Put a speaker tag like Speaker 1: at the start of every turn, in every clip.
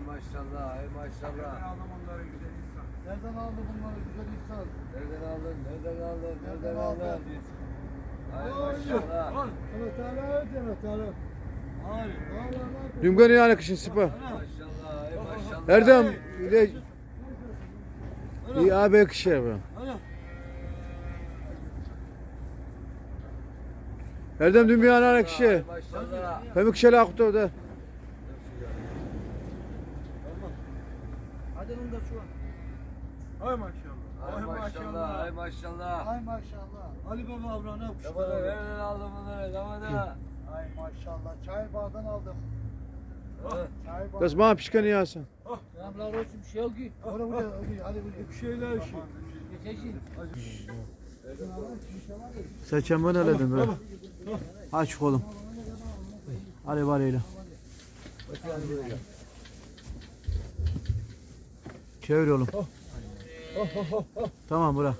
Speaker 1: maşallah, ay maşallah.
Speaker 2: Nereden aldın bunları güzel insan?
Speaker 3: Nereden aldı bunları güzel insan?
Speaker 1: Nereden aldın, nereden aldın,
Speaker 3: Nereden
Speaker 1: nereden aldın?
Speaker 3: aldın?
Speaker 1: Ay maşallah.
Speaker 3: Evet hala evet hala. Hayır.
Speaker 4: Dümgen yani kışın sipa.
Speaker 1: Maşallah, ay maşallah.
Speaker 4: Erdem ile iyi abi kışı abi. Erdem dümgen yani kışı.
Speaker 1: Ay maşallah.
Speaker 4: Hem kışı akıtı da.
Speaker 3: Hadi onu da şu an.
Speaker 2: Ay maşallah.
Speaker 1: Ay maşallah, ay maşallah.
Speaker 3: Ay maşallah. Ali Baba Avran'a
Speaker 1: Damada nereden aldın bunları, damada?
Speaker 3: Ay maşallah. Çay bağdan aldım. Çay bağdan.
Speaker 4: Das bana pişkanı yasın.
Speaker 3: Selamlar olsun bir şey yok ki. Oraya buraya hadi buraya. Bir şeyler şey. Geçecek.
Speaker 4: Seçen ben eledim be. Aç oğlum. Hadi bariyle. Çevir oğlum. Tamam bırak.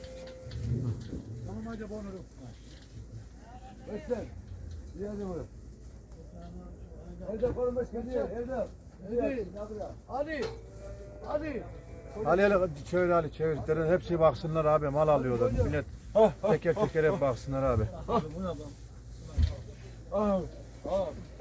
Speaker 3: Tamam hadi bonurum.
Speaker 1: Bekler. Bir hadi buraya. Erdem konum başka diye, Erdem.
Speaker 3: Hadi. Hadi.
Speaker 4: Ali hele çevir Ali çevir. Derin hepsi baksınlar abi mal alıyorlar. Millet teker teker hep baksınlar abi.
Speaker 2: Ah.